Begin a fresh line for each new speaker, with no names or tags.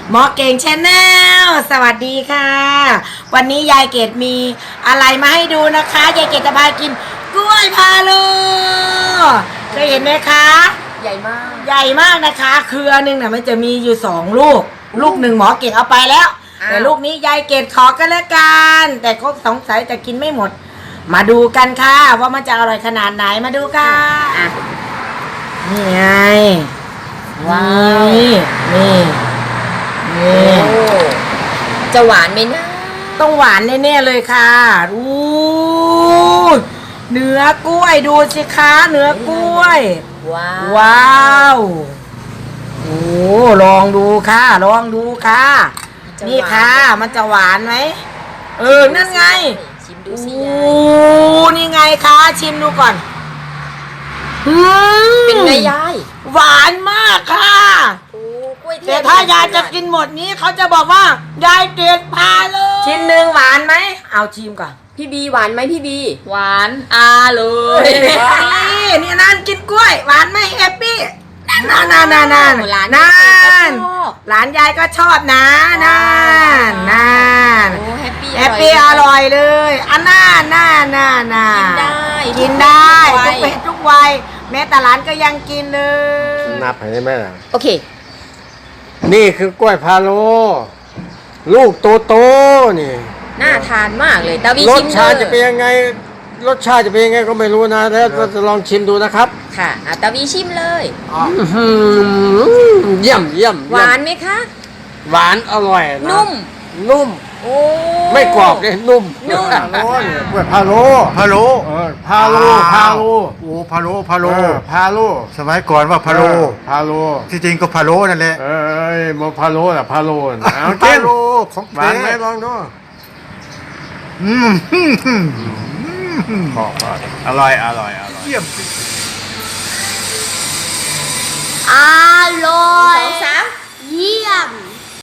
หมอเก่งชาแนลสวัสดีค่ะวันนี้ยายเกดมีอะไรมาให้ดูนะคะยายเกดจะพากินกล้วยพาโลเคยเห็นไหมคะ
ใหญ่มาก
ใหญ่มากนะคะเครือหนึ่งน่ะมันจะมีอยู่2 ลูกลูกหนึ่งหมอเก่งเอาไปแล้วแต่ลูกนี้ยายเกดขอกันแล้วกันแต่เขาสงสัยจะกินไม่หมดมาดูกันค่ะว่ามันจะอร่อยขนาดไหนมาดูกันนี่ไงว้าวนี่
จะหวานไหมนะ
ต้องหวานแน่ๆเลยค่ะเนื้อกล้วยดูสิคะเนื้อกล้วยว้าวโอ้ลองดูค่ะลองดูค่ะนี่ค่ะมันจะหวานไหมนั่นไง
ชิมดูสิ
นี่ไงคะชิมดูก่อน
เป็นไงยาย
หวานมากค่ะแต่ถ้ายายจะกินหมดนี้เขาจะบอกว่ายายเกดพาเลยชิ้นหนึ่งหวานไหมเอาชิมก่อน
พี่บีหวานไหมพี่บี
หวานเลย
นี่นั่นกินกล้วยหวานไหมแฮปปี้นั่นหลานยายก็ชอบนะนั่น
แฮป
ปี้อร่อยเลยอันน่ากินได้ทุกเพศทุกวัยแม้แต่หลานก็ยังกินเลย
นับให้ไหมล่ะ
โอเค
นี่คือกล้วยพาโลลูกโตนี่
น่าทานมากเลยตาวี
ร
ชิ
ส
ม
ชาติจะเป็นยังไงรสชาติจะเป็นยังไงก็ไม่รู้นะแล้วเราจะลองชิมดูนะครับ
ค่ะตาวีชิมเลย
เยี่ยม
หวานไหมคะ
หวานอร่อยนะนุ่ม
โอ้
ไม่กรอบเลยนุ่ม
ก
ล้วยพาโลพาโลโอ้พาโล
สมัยก่อนว่าพาโล ที่จริงก็พาโลนั่นแหละ
มาพาโลน่ะพาโล
พาโลของ
หวานไหมลองดู
อร่อย
เยี่ยม